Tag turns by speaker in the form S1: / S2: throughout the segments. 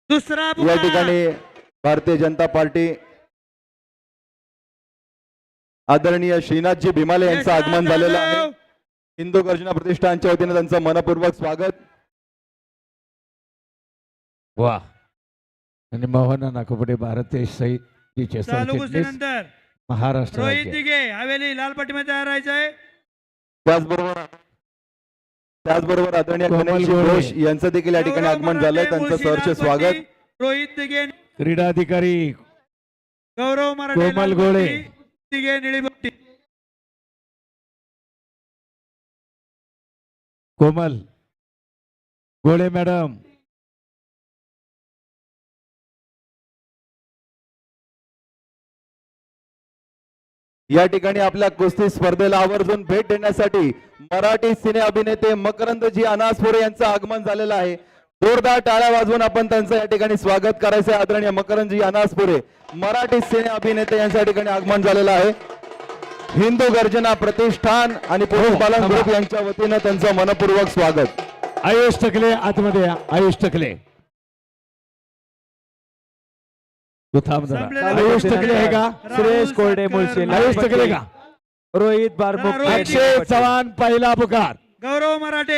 S1: दुसरा
S2: या
S1: पुकार
S2: ठिकाणी भारतीय जनता पार्टी आदरणीय श्रीनाथजी भीमाले यांचं आगमन झालेलं आहे। हिंदू गर्जना प्रतिष्ठानच्या वतीने त्यांचं मनपूर्वक स्वागत।
S3: वा आणि मोहन नाकोपडे भारतीय सहितीचे
S1: चालू कुस्तीनंतर
S3: महाराष्ट्र
S1: रोहित
S3: राज्य
S1: दिघे हवेली लाल पट्टीमध्ये तयार राहायचंय।
S2: त्याचबरोबर आदरणीय गणेश घोष यांचं देखील या ठिकाणी आगमन झालंय, त्यांचं सहर्ष स्वागत।
S1: रोहित दिघे
S3: क्रीडा अधिकारी
S1: गौरव मराठे
S3: कोमल
S1: लाल
S3: गोळे
S1: पट्टी, दिघे निळी पट्टी।
S3: कोमल गोळे मॅडम
S2: या ठिकाणी आपल्या कुस्ती स्पर्धेला आवर्जून भेट देण्यासाठी मराठी सिने अभिनेते मकरंदजी अनासपुरे यांचं आगमन झालेलं आहे। जोरदार टाळ्या वाजवून आपण त्यांचं या ठिकाणी स्वागत करायचं आहे। आदरणीय मकरंदजी अनासपुरे मराठी सिने अभिनेते यांच्या ठिकाणी आगमन झालेलं आहे। हिंदू गर्जना प्रतिष्ठान आणि पुरुष बालन ग्रुप यांच्या वतीनं त्यांचं मनपूर्वक स्वागत।
S3: आयुष टकले आतमध्ये या, आयुष टकले तू थांब जरा। आयुष टकले आहे का?
S4: सुरेश कोरडे मुळशी
S3: आयुष टकले का?
S4: रोहित बारमुख
S3: अक्षय चव्हाण पहिला पुकार।
S1: गौरव मराठे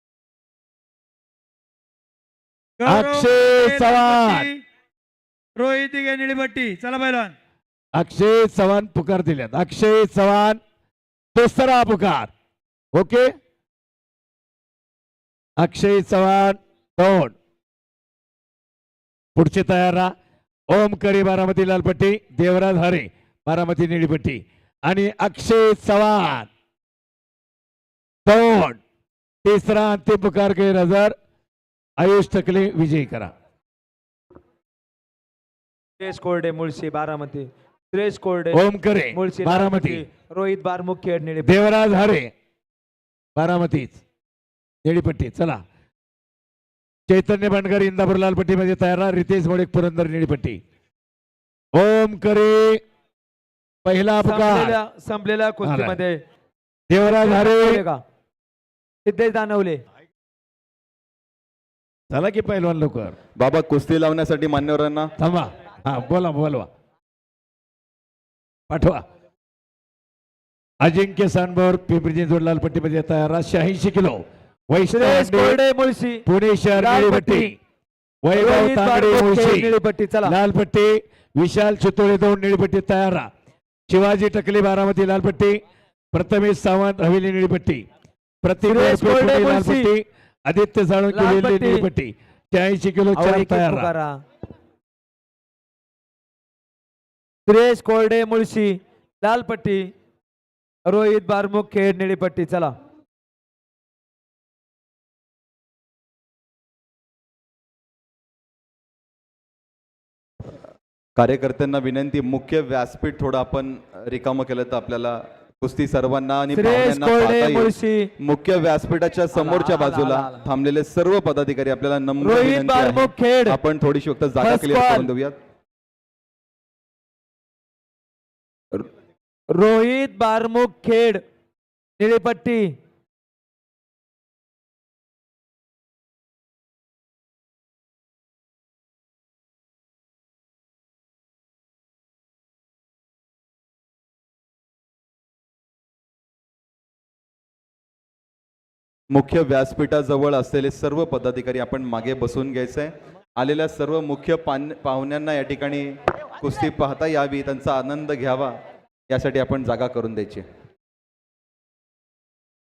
S3: अक्षय चव्हाण
S1: रोहित दिघे निळी पट्टी। चला पहिलवान
S3: अक्षय चव्हाण पुकार दिल्यात। अक्षय चव्हाण दुसरा पुकार। ओके अक्षय चव्हाण दोन पुढचे तयार राहा। ओम करी बारामती लालपट्टी, देवराज हरे बारामती निळीपट्टी आणि अक्षय चव्हाण दोन। तिसरा अंतिम पुकार गैरहजर आयुष टकले विजयी करा।
S4: सुरेश कोरडे मुळशी बारामती, सुरेश कोरडे
S3: ओम करे
S4: मुळशी
S3: बारामती,
S4: रोहित बारमुख खेड निळे
S3: देवराज हरे बारामतीच निळीपट्टी। चला चैतन्य बंडकर इंदापूर लालपट्टी मध्ये तयार राहा। रितेश मोडेक पुरंदर निळीपट्टी। ओम करे पहिला पुकार।
S4: संपलेल्या कुस्तीमध्ये
S3: देवराज हरे
S4: सिद्धेश दानवले
S3: चला की पहिलवान लवकर
S2: बाबा कुस्ती लावण्यासाठी मान्यवरांना
S3: थांबा। हा बोला बोलवा पाठवा। अजिंक्य सानभोर पिंपरी चिंचवड लालपट्टी मध्ये तयार राहा। 86 किलो
S4: सुरेश कोरडे मुळशी
S3: पुणे शहर निळीपट्टी। वैभव तांगडे मुळशी
S4: निळीपट्टी। चला
S3: लालपट्टी विशाल चितोळे दोन निळीपट्टी तयार राहा। शिवाजी टकले बारामती लालपट्टी, प्रथमेश सावंत हवेली निळीपट्टी,
S4: सुरेश कोरडे
S3: लालपट्टी, आदित्य साळुंके निळीपट्टी। 86 किलो चार तयार राहा।
S4: सुरेश कोरडे मुळशी लालपट्टी, रोहित बारमुख खेड निळीपट्टी। चला
S2: कार्यकर्त्यांना विनंती, मुख्य व्यासपीठ थोडं आपण रिकामं केलं तर आपल्याला कुस्ती सर्वांना आणि
S4: सुरेश
S2: पाहुण्यांना
S4: कोरडे
S2: पाहता येईल।
S4: मुळशी
S2: मुख्य व्यासपीठाच्या समोरच्या बाजूला थांबलेले सर्व पदाधिकारी आपल्याला नम्र
S4: रोहित
S2: विनंती
S4: बारमुख
S2: आहे,
S4: खेड
S2: आपण थोडीशी फक्त जागा
S4: First
S2: क्लिअर
S4: call.
S2: करून देऊयात।
S4: रोहित बारमुख खेड निळीपट्टी।
S2: मुख्य व्यासपीठाजवळ असलेले सर्व पदाधिकारी आपण मागे बसून घ्यायचंय। आलेल्या सर्व मुख्य पाहुण्यांना या ठिकाणी कुस्ती पाहता यावी, त्यांचा आनंद घ्यावा यासाठी आपण जागा करून द्यायची।